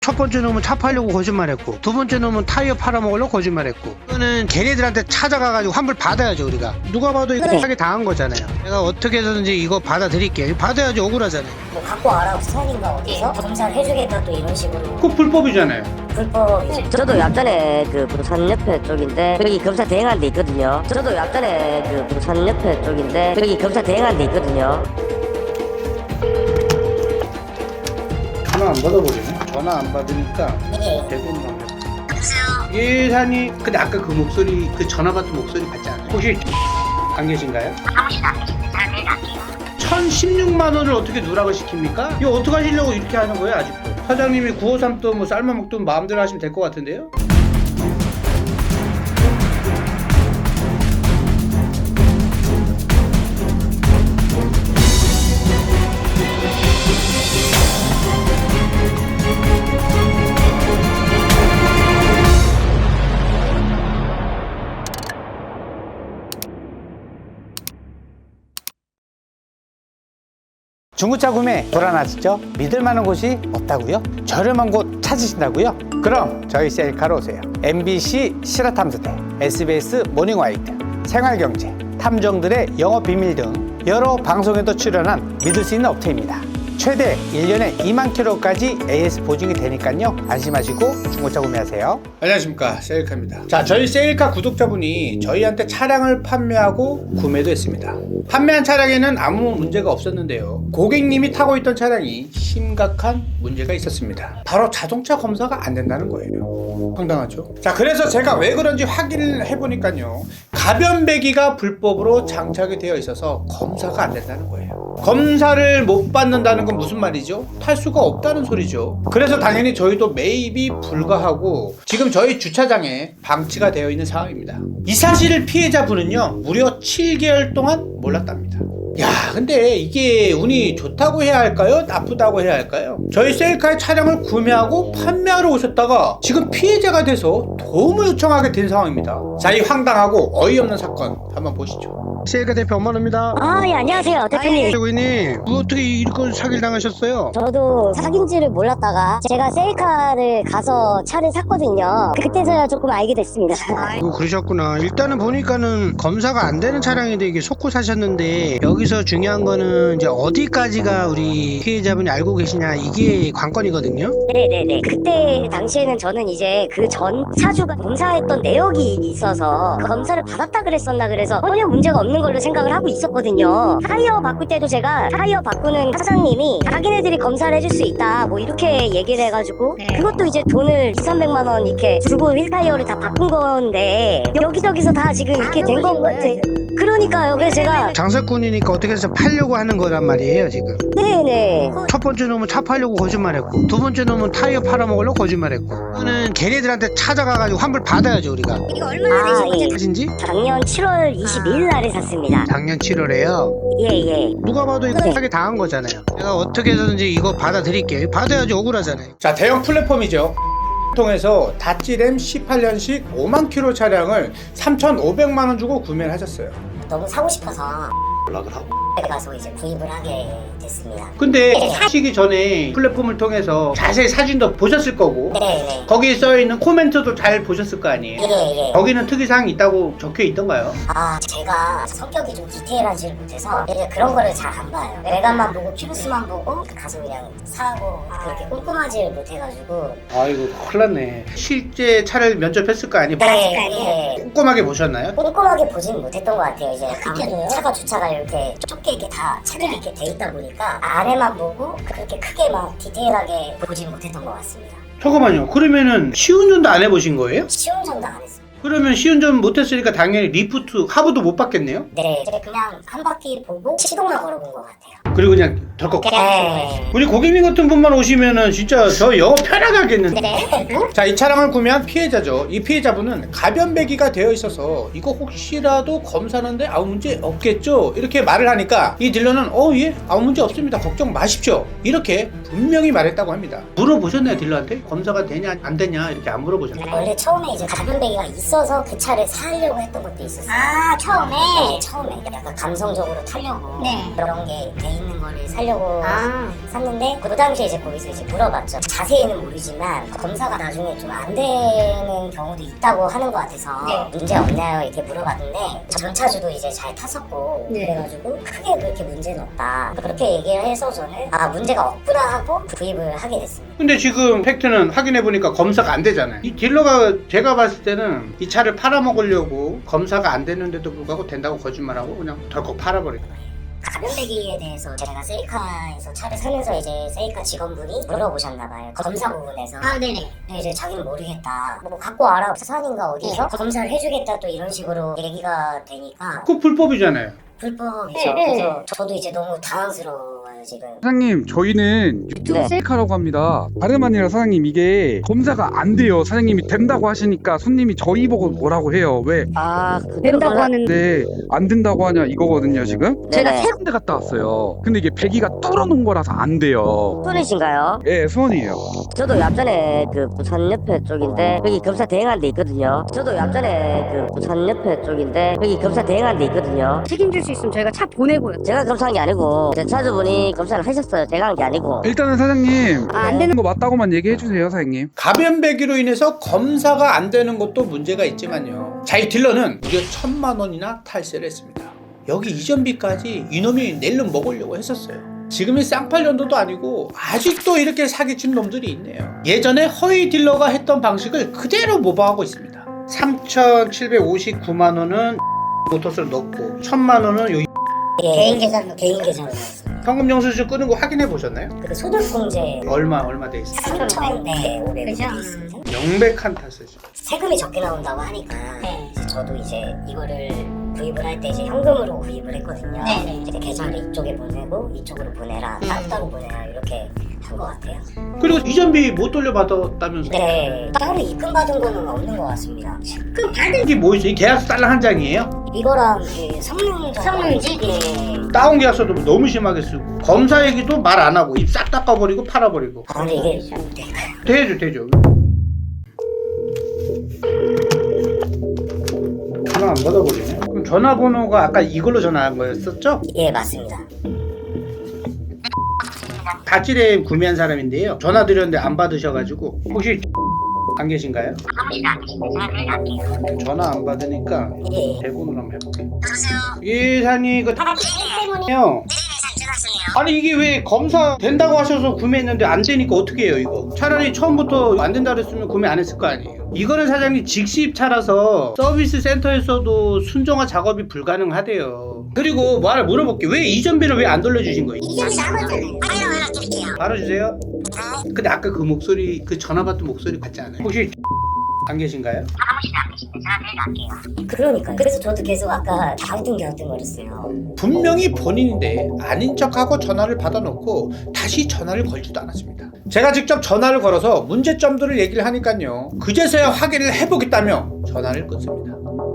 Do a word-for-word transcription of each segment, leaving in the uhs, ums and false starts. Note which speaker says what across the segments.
Speaker 1: 첫 번째 놈은 차 팔려고 거짓말했고, 두 번째 놈은 타이어 팔아먹으려고 거짓말했고, 이거는 걔네들한테 찾아가가지고 환불 받아야죠. 우리가 누가 봐도 이거 하게 당한 거잖아요. 내가 어떻게 해서든지 이거 받아드릴게. 받아야지. 억울하잖아요.
Speaker 2: 뭐 갖고 와라 스타일인가 어디서 검사를 해주겠다 또 이런 식으로.
Speaker 1: 그거 불법이잖아요.
Speaker 2: 불법이죠.
Speaker 3: 저도 약전에 그 부산 옆에 쪽인데 여기 검사 대행한 데 있거든요. 저도 약전에 그 부산 옆에 쪽인데 여기 검사 대행한 데 있거든요.
Speaker 1: 전화 안 받아버리네. 전화 안 받으니까
Speaker 2: 예.
Speaker 1: 대부분 안 받아. 예산이 근데 아까 그 목소리, 그 전화 받던 목소리 같지 않아요? 혹시 안 계신가요?
Speaker 2: 사무실 안 계신데 잘 내일 갈게요.
Speaker 1: 천십육만 원을 어떻게 누락을 시킵니까? 이거 어떻게 하시려고 이렇게 하는 거예요 아직도? 사장님이 구오삼 뭐 삶아 먹든 마음대로 하시면 될 것 같은데요? 중고차 구매 불안하시죠? 믿을 만한 곳이 없다고요? 저렴한 곳 찾으신다고요? 그럼 저희 셀카로 오세요. 엠비씨 실화탐사대, 에스비에스 모닝와이드, 생활경제, 탐정들의 영업 비밀 등 여러 방송에도 출연한 믿을 수 있는 업체입니다. 최대 일 년에 이만 킬로까지 에이에스 보증이 되니까요, 안심하시고 중고차 구매하세요. 안녕하십니까, 셀카입니다. 자, 저희 셀카 구독자분이 저희한테 차량을 판매하고 구매도 했습니다. 판매한 차량에는 아무 문제가 없었는데요, 고객님이 타고 있던 차량이 심각한 문제가 있었습니다. 바로 자동차 검사가 안 된다는 거예요. 황당하죠? 자, 그래서 제가 왜 그런지 확인을 해보니까요, 가변배기가 불법으로 장착이 되어 있어서 검사가 안 된다는 거예요. 검사를 못 받는다는 건 무슨 말이죠? 탈 수가 없다는 소리죠. 그래서 당연히 저희도 매입이 불가하고 지금 저희 주차장에 방치가 되어 있는 상황입니다. 이 사실을 피해자분은요, 무려 칠 개월 동안 몰랐답니다. 야, 근데 이게 운이 좋다고 해야 할까요? 나쁘다고 해야 할까요? 저희 셀카의 차량을 구매하고 판매하러 오셨다가 지금 피해자가 돼서 도움을 요청하게 된 상황입니다. 자, 이 황당하고 어이없는 사건 한번 보시죠. 셀카 대표 엄마입니다.
Speaker 3: 아, 예, 안녕하세요, 대표님.
Speaker 1: 대표님, 어떻게 이렇게 사기를 당하셨어요?
Speaker 3: 저도 사귄지를 몰랐다가 제가 셀카를 가서 차를 샀거든요. 그때서야 조금 알게 됐습니다.
Speaker 1: 아이고, 그러셨구나. 일단은 보니까는 검사가 안 되는 차량인데 이게 속고 사셨는데, 여기서 중요한 거는 이제 어디까지가 우리 피해자분이 알고 계시냐, 이게 관건이거든요.
Speaker 3: 네네네. 그때 당시에는 저는 이제 그 전 차주가 검사했던 내역이 있어서 검사를 받았다 그랬었나 그래서 전혀 문제가 없는 걸로 생각을 하고 있었거든요. 타이어 바꿀 때도 제가 타이어 바꾸는 사장님이 자기네들이 검사를 해줄 수 있다 뭐 이렇게 얘기를 해가지고 그것도 이제 돈을 이삼백만 원 이렇게 주고 휠 타이어를 다 바꾼 건데 여기저기서 다 지금 이렇게 된 건 같아요. 그러니까요. 그래서 제가
Speaker 1: 장사꾼이니까 어떻게 해서 팔려고 하는 거란 말이에요 지금.
Speaker 3: 네네.
Speaker 1: 첫 번째 놈은 차 팔려고 거짓말했고, 두 번째 놈은 타이어 팔아먹으려고 거짓말했고, 이거는 걔네들한테 찾아가가지고 환불 받아야죠 우리가.
Speaker 2: 이거 얼마나
Speaker 3: 아,
Speaker 2: 되신
Speaker 3: 예.
Speaker 2: 거죠?
Speaker 1: 하신지?
Speaker 3: 작년 칠월 이십이일 날에 샀습니다.
Speaker 1: 작년 칠월에요.
Speaker 3: 예예.
Speaker 1: 누가 봐도 이거 하게 당한 거잖아요. 내가 어떻게 해서든지 이거 받아드릴게. 받아야지. 억울하잖아요. 자, 대형 플랫폼이죠. 통해서 다찌램 십팔 년식 오만 킬로 차량을 삼천오백만 원 주고 구매를 하셨어요.
Speaker 2: 너무 사고 싶어서
Speaker 1: 연락을 하고.
Speaker 2: 가서 이제 구입을 하게 됐습니다.
Speaker 1: 근데 사시기 전에 플랫폼을 통해서 자세히 사진도 보셨을 거고,
Speaker 2: 네네.
Speaker 1: 거기에 써있는 코멘트도 잘 보셨을 거 아니에요.
Speaker 2: 예예.
Speaker 1: 거기는 특이사항이 있다고 적혀 있던가요?
Speaker 2: 아, 제가 성격이 좀 디테일하지 못해서 이제 그런 거를 잘 안 봐요. 외관만 보고 키로수만 보고 가서 그냥 사고 그렇게 꼼꼼하지 못해가지고.
Speaker 1: 아이고, 큰일 났네. 실제 차를 면접했을 거 아니에요?
Speaker 2: 네, 네.
Speaker 1: 꼼꼼하게 보셨나요?
Speaker 2: 꼼꼼하게 보진 못했던 것 같아요. 이제
Speaker 3: 그때도요?
Speaker 2: 아무래도 차가 주차가 이렇게 좁게 이렇게 다 차들이 이렇게 돼 있다 보니까 안에만 보고 그렇게 크게 막 디테일하게 보진 못했던 것 같습니다.
Speaker 1: 잠깐만요. 그러면은 시운전도 안 해보신 거예요?
Speaker 2: 시운전도 안 했어요.
Speaker 1: 그러면 시운전 못했으니까 당연히 리프트, 하부도 못 받겠네요?
Speaker 2: 네, 제가 그냥 한 바퀴 보고 시동만 걸어본 것 같아요.
Speaker 1: 그리고 그냥 덜컥.
Speaker 2: 네.
Speaker 1: 우리 고객님 같은 분만 오시면은 진짜 저 영업 편하겠는데.
Speaker 2: 네.
Speaker 1: 자, 이 차량을 구매한 피해자죠. 이 피해자분은 가변배기가 되어 있어서 이거 혹시라도 검사하는데 아무 문제 없겠죠? 이렇게 말을 하니까 이 딜러는 어, 예, 아무 문제 없습니다. 걱정 마십시오. 이렇게 분명히 말했다고 합니다. 물어보셨나요, 딜러한테? 검사가 되냐 안 되냐 이렇게 안 물어보셨나요?
Speaker 2: 원래 처음에 이제 가변배기가 있어 있어서 그 차를 사려고 했던 것도 있었어요.
Speaker 4: 아, 처음에?
Speaker 2: 네, 처음에 약간 감성적으로 타려고
Speaker 4: 네.
Speaker 2: 그런 게 돼 있는 거를 사려고
Speaker 4: 아.
Speaker 2: 샀는데 그 당시에 이제 거기서 이제 물어봤죠. 자세히는 모르지만 검사가 나중에 좀 안 되는 경우도 있다고 하는 것 같아서
Speaker 4: 네.
Speaker 2: 문제 없나요? 이렇게 물어봤는데 전차주도 이제 잘 탔었고
Speaker 4: 네.
Speaker 2: 그래가지고 크게 그렇게 문제는 없다 그렇게 얘기를 해서 저는 아 문제가 없구나 하고 구입을 하게 됐습니다.
Speaker 1: 근데 지금 팩트는 확인해 보니까 검사가 안 되잖아요. 이 딜러가 제가 봤을 때는 이 차를 팔아먹으려고 검사가 안 되는데도 불구하고 된다고 거짓말하고 그냥 덜컥 팔아버린 거예요.
Speaker 2: 가변배기에 대해서 제가 세이카에서 차를 사면서 이제 세이카 직원분이 물어보셨나봐요. 검사 부분에서.
Speaker 4: 아, 네네.
Speaker 2: 근데 이제 자기는 모르겠다. 뭐 갖고 와라. 부산인가 어디서 검사를 해주겠다 또 이런 식으로 얘기가 되니까
Speaker 1: 그거 불법이잖아요.
Speaker 2: 불법이죠.
Speaker 4: 네, 네.
Speaker 2: 그래서 저도 이제 너무 당황스러워요 지금.
Speaker 5: 사장님 저희는 유튜브
Speaker 3: 네.
Speaker 5: 셀카라고 합니다. 다름 아니라 사장님 이게 검사가 안 돼요. 사장님이 된다고 하시니까 손님이 저희 보고 뭐라고 해요. 왜?
Speaker 3: 아,
Speaker 4: 된다고 하는데.
Speaker 5: 네, 안 된다고 하냐 이거거든요 지금. 제가
Speaker 3: 네네.
Speaker 5: 세 군데 갔다 왔어요. 근데 이게 배기가 뚫어놓은 거라서 안 돼요.
Speaker 3: 수원이신가요?
Speaker 5: 예, 수원이에요.
Speaker 3: 저도 앞전에 그 부산 옆에 쪽인데 여기 검사 대행한 데 있거든요. 저도 앞전에 그 부산 옆에 쪽인데 여기 검사 대행한 데 있거든요.
Speaker 4: 책임질 수 있으면 저희가 차 보내고요.
Speaker 3: 제가 검사한 게 아니고 제 차주분이 검사를 하셨어요. 제가 한 게 아니고.
Speaker 5: 일단은 사장님
Speaker 4: 아, 안 되는
Speaker 5: 거 맞다고만 얘기해 주세요, 사장님.
Speaker 1: 가변배기로 인해서 검사가 안 되는 것도 문제가 있지만요. 자이 딜러는 무려 천만 원이나 탈세를 했습니다. 여기 이전비까지 이놈이 낼름 먹으려고 했었어요. 지금이 쌍팔년도도 아니고 아직도 이렇게 사기친 놈들이 있네요. 예전에 허위 딜러가 했던 방식을 그대로 모방하고 있습니다. 삼천칠백오십구만 원은 모터스를 넣고 천만 원은 요
Speaker 2: 예, 개인 계좌로 개인 계좌로 넣었습니다.
Speaker 1: 현금 영수증 끄는 거 확인해 보셨나요?
Speaker 2: 그 소득공제
Speaker 1: 얼마 얼마 돼 있어요?
Speaker 2: 삼천 네 오백 돼
Speaker 4: 그죠?
Speaker 2: 있습니다.
Speaker 1: 명백한 탓이죠.
Speaker 2: 세금이 적게 나온다고 하니까
Speaker 4: 네.
Speaker 2: 이제 저도 이제 이거를 구입을 할 때 이제 현금으로 구입을 했거든요.
Speaker 4: 네네.
Speaker 2: 이제 계좌를 이쪽에 보내고 이쪽으로 보내라,
Speaker 4: 음.
Speaker 2: 따로 보내라 이렇게 한 것 같아요.
Speaker 1: 그리고 이전비 못 돌려받았다면서요?
Speaker 2: 네, 따로 입금 받은 거는 없는 것 같습니다.
Speaker 4: 그럼 받은
Speaker 1: 이게 뭐 있어요? 이 계약서 딸랑 한 장이에요?
Speaker 2: 이거랑 그 성능
Speaker 4: 성능지?
Speaker 2: 예.
Speaker 1: 다운 계약서도 너무 심하게 쓰고 검사 얘기도 말 안 하고 입 싹 닦아버리고 팔아버리고.
Speaker 2: 아 근데 이게 될까요?
Speaker 1: 되죠 되죠. 전화 안 받아버리네. 그럼 전화번호가 아까 이걸로 전화한 거였었죠?
Speaker 2: 예 맞습니다.
Speaker 1: 다찌레 구매한 사람인데요. 전화 드렸는데 안 받으셔가지고 혹시 안 계신가요? 전화 안 받으니까
Speaker 2: 예.
Speaker 1: 대본으로 한번 해볼게요.
Speaker 2: 여보세요.
Speaker 1: 예, 사장님 그 때문에요. 아니 이게 왜 검사 된다고 하셔서 구매했는데 안 되니까 어떻게 해요 이거? 차라리 처음부터 안 된다 그랬으면 구매 안 했을 거 아니에요. 이거는 사장님 직시입차라서 서비스 센터에서도 순정화 작업이 불가능하대요. 그리고 말을 물어볼게요. 왜 이전비를 왜 안 돌려주신 거예요?
Speaker 2: 이전비 남았잖아요. 바로 연락드릴게요.
Speaker 1: 바로 주세요. 근데 아까 그 목소리 그 전화 받던 목소리 같지 않아요? 혹시 안 계신가요?
Speaker 2: 그러니까 그래서 저도 계속 아까 갸우뚱갸우뚱거렸어요.
Speaker 1: 분명히 본인인데 아닌 척하고 전화를 받아놓고 다시 전화를 걸지도 않았습니다. 제가 직접 전화를 걸어서 문제점들을 얘기를 하니까요. 그제서야 확인을 해보겠다며 전화를 끊습니다.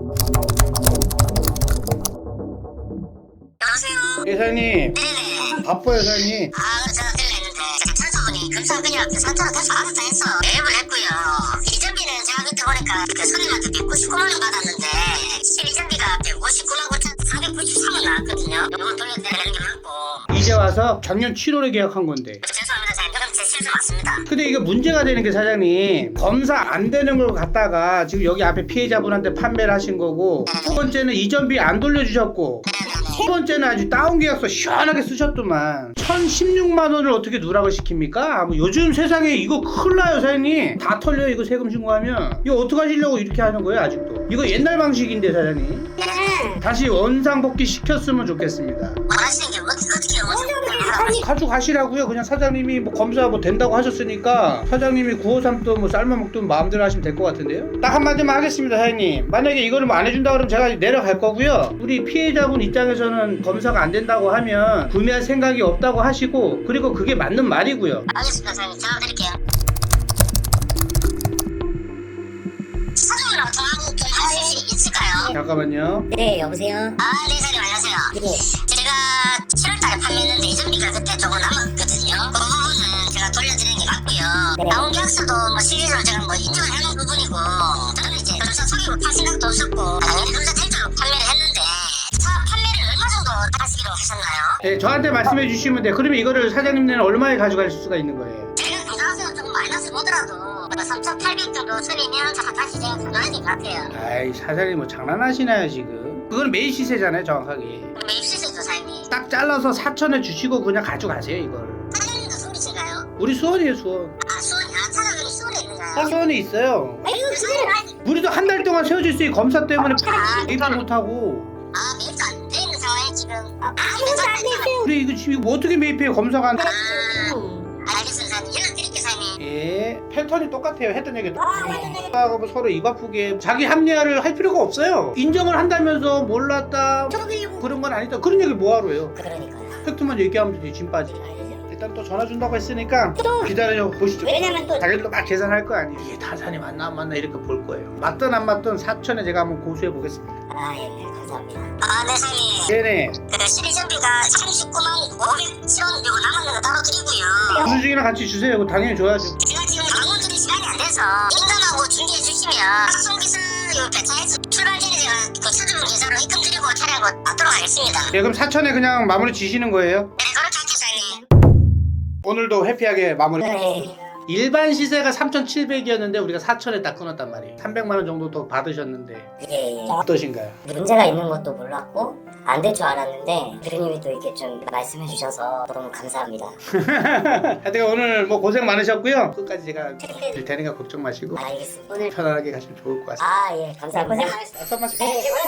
Speaker 2: 여보세요.
Speaker 1: 예, 사장님. 바빠요, 사장님.
Speaker 2: 아, 제가 들렸는데 차주분이 금사근이랑 그 사차를 다시 알아서 했어. 매입을 했고요. 이전비는 제가 그때 보니까 그 손님한테 백구십구만 원 받았는데 이전비가 백오십구만 구천사백구십삼 원 나왔거든요. 요건 돌려드리는 게 맞고.
Speaker 1: 이제 와서 작년 칠월에 계약한 건데.
Speaker 2: 죄송합니다. 사장님. 그럼 제 실수 맞습니다.
Speaker 1: 근데 이게 문제가 되는 게 사장님 검사 안 되는 걸 갖다가 지금 여기 앞에 피해자분한테 판매를 하신 거고 두 번째는 이전비 안 돌려주셨고 세 번째는 아주 다운 계약서 시원하게 쓰셨더만 천십육만 원을 어떻게 누락을 시킵니까? 뭐 요즘 세상에 이거 큰일 나요 사장님. 다 털려요 이거 세금 신고하면. 이거 어떡하시려고 이렇게 하는 거예요 아직도. 이거 옛날 방식인데 사장님. 다시 원상복귀 시켰으면 좋겠습니다.
Speaker 2: 원하시는 게 어떻게 어떻게 원하시는
Speaker 1: 가져가시라고요. 그냥 사장님이 뭐 검사 뭐 된다고 하셨으니까 사장님이 구오삼 도 뭐 삶아 먹든 마음대로 하시면 될 것 같은데요. 딱 한마디만 하겠습니다 사장님. 만약에 이거를 뭐 안 해준다 그러면 제가 내려갈 거고요. 우리 피해자분 입장에서는 검사가 안 된다고 하면 구매할 생각이 없다고 하시고 그리고 그게 맞는 말이고요.
Speaker 2: 알겠습니다. 사장님. 전화 드릴게요. 사장님이랑 통화하고 좀 하실 수 있을까요?
Speaker 1: 잠깐만요.
Speaker 2: 네, 여보세요? 아, 네, 사장님, 안녕하세요. 네. 제가 칠월달에 판매했는데 이전비가 그때 조금 남았거든요. 그 부분은 제가 돌려드리는 게 맞고요. 했고요. 나온 계약서도 뭐 실질적으로 제가 뭐 인정을 해놓은 부분이고, 저는 이제 검사 속이고 팔 생각도 없었고 당연히 검사 될 줄 판매를 했는데, 차 판매를 얼마 정도 하시기로 하셨나요?
Speaker 1: 네, 저한테 말씀해 주시면 돼요. 그러면 이거를 사장님네는 얼마에 가져갈 수가 있는 거예요?
Speaker 2: 제가 당장에서 조금 마이너스 보더라도 삼천팔백 정도 선이면 다시 제가 가져야 될 것 같아요.
Speaker 1: 아이, 사장님 뭐 장난하시나요 지금? 그건 매입 시세잖아요, 정확하게.
Speaker 2: 매입 시세죠, 사장님.
Speaker 1: 딱 잘라서 사천에 주시고 그냥 가져가세요, 이걸.
Speaker 2: 사장님도 서울이신가요?
Speaker 1: 우리 수원이에요, 수원.
Speaker 2: 아, 수원이, 아, 차장님이 수원에 있는가요?
Speaker 1: 수원에 있어요.
Speaker 2: 아니, 그 사장님,
Speaker 1: 우리도 한 달 동안 세워질 수 있는 검사 때문에
Speaker 2: 아,
Speaker 1: 매입도 못하고.
Speaker 2: 아, 매입도 안 돼 있는 상황에 지금. 아, 아무것도 안 됐어요.
Speaker 1: 우리 이거 지금 뭐 어떻게 매입해요, 검사가 안.
Speaker 2: 아, 알겠습니다, 사장님. 연락드릴게요, 사장님.
Speaker 1: 예, 패턴이 똑같아요. 했던 얘기 똑같아요. 뭐 서로 입 아프게 자기 합리화를 할 필요가 없어요. 인정을 한다면서 몰랐다 그런 건 아니다. 그런 얘기 뭐하러 해요?
Speaker 2: 그러니까요.
Speaker 1: 팩트만 얘기하면 되지, 짐 빠지. 일단 또 전화 준다고 했으니까 기다려 보시죠.
Speaker 2: 왜냐면 또
Speaker 1: 자기들도 막 계산할 거 아니에요. 이게 타산이 맞나 안 맞나 이렇게 볼 거예요. 맞든 안 맞든 사천에 제가 한번 고수해 보겠습니다.
Speaker 2: 아, 예, 네, 감사합니다. 아, 네, 사장님.
Speaker 1: 네네.
Speaker 2: 그 실리전비가 삼십구만 오백칠 원 그리고 남았는 거 따로 드리고요.
Speaker 1: 수중이랑 같이 주세요. 그거 당연히 줘야죠.
Speaker 2: 제가 지금 방문 드릴 시간이 안 돼서 인감하고 준비해 주시면 학송기사 요 배차해서 출발 전에 제가 그 차주분 계좌로 입금 드리고 차량 거 받도록 하겠습니다.
Speaker 1: 예, 그럼 사천에 그냥 마무리 지시는 거예요?
Speaker 2: 네, 그렇게 할게요, 사장님.
Speaker 1: 오늘도 해피하게 마무리.
Speaker 2: 네.
Speaker 1: 일반 시세가 삼천칠백이었는데 우리가 사천에 딱 끊었단 말이에요. 삼백만 원 정도 더 받으셨는데
Speaker 2: 예, 예.
Speaker 1: 어떠신가요?
Speaker 2: 문제가 있는 것도 몰랐고 안 될 줄 알았는데 대표님이 또 이렇게 좀 말씀해 주셔서 너무 감사합니다.
Speaker 1: 하여튼 오늘 뭐 고생 많으셨고요. 끝까지 제가 될 테니까 걱정 마시고
Speaker 2: 알겠습니다. 오늘
Speaker 1: 편안하게 가시면 좋을 것 같습니다.
Speaker 2: 아, 예, 감사합니다.
Speaker 1: 어서 마시고.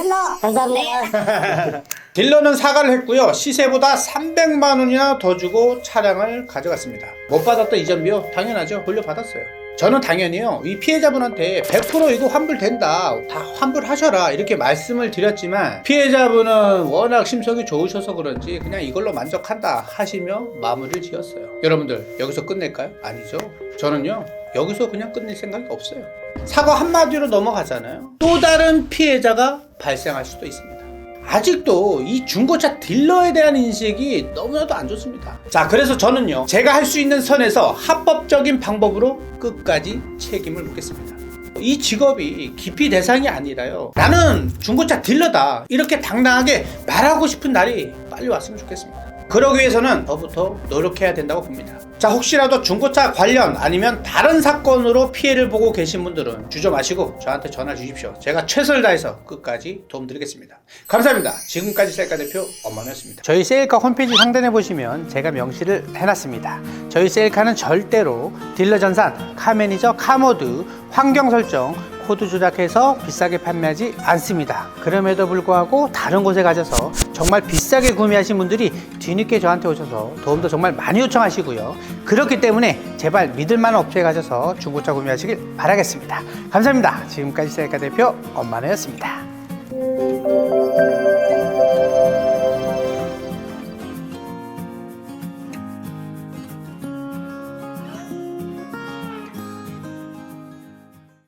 Speaker 2: 감사합니다.
Speaker 1: 딜러는 사과를 했고요. 시세보다 삼백만 원이나 더 주고 차량을 가져갔습니다. 못 받았던 이전비요? 당연하죠. 돌려받았어요. 저는 당연히요, 이 피해자분한테 백 퍼센트 이거 환불된다, 다 환불하셔라 이렇게 말씀을 드렸지만 피해자분은 워낙 심성이 좋으셔서 그런지 그냥 이걸로 만족한다 하시며 마무리를 지었어요. 여러분들 여기서 끝낼까요? 아니죠. 저는요 여기서 그냥 끝낼 생각이 없어요. 사과 한마디로 넘어가잖아요. 또 다른 피해자가 발생할 수도 있습니다. 아직도 이 중고차 딜러에 대한 인식이 너무나도 안 좋습니다. 자, 그래서 저는요 제가 할 수 있는 선에서 합법적인 방법으로 끝까지 책임을 묻겠습니다. 이 직업이 기피 대상이 아니라요, 나는 중고차 딜러다 이렇게 당당하게 말하고 싶은 날이 빨리 왔으면 좋겠습니다. 그러기 위해서는 더부터 노력해야 된다고 봅니다. 자, 혹시라도 중고차 관련 아니면 다른 사건으로 피해를 보고 계신 분들은 주저 마시고 저한테 전화 주십시오. 제가 최선을 다해서 끝까지 도움드리겠습니다. 감사합니다. 지금까지 셀카 대표 엄만우였습니다. 저희 셀카 홈페이지 상단에 보시면 제가 명시를 해놨습니다. 저희 셀카는 절대로 딜러 전산, 카매니저, 카모드, 환경 설정, 코드 조작해서 비싸게 판매하지 않습니다. 그럼에도 불구하고 다른 곳에 가셔서 정말 비싸게 구매하신 분들이 뒤늦게 저한테 오셔서 도움도 정말 많이 요청하시고요. 그렇기 때문에 제발 믿을만한 업체에 가셔서 중고차 구매하시길 바라겠습니다. 감사합니다. 지금까지 셀카 대표 엄만우였습니다.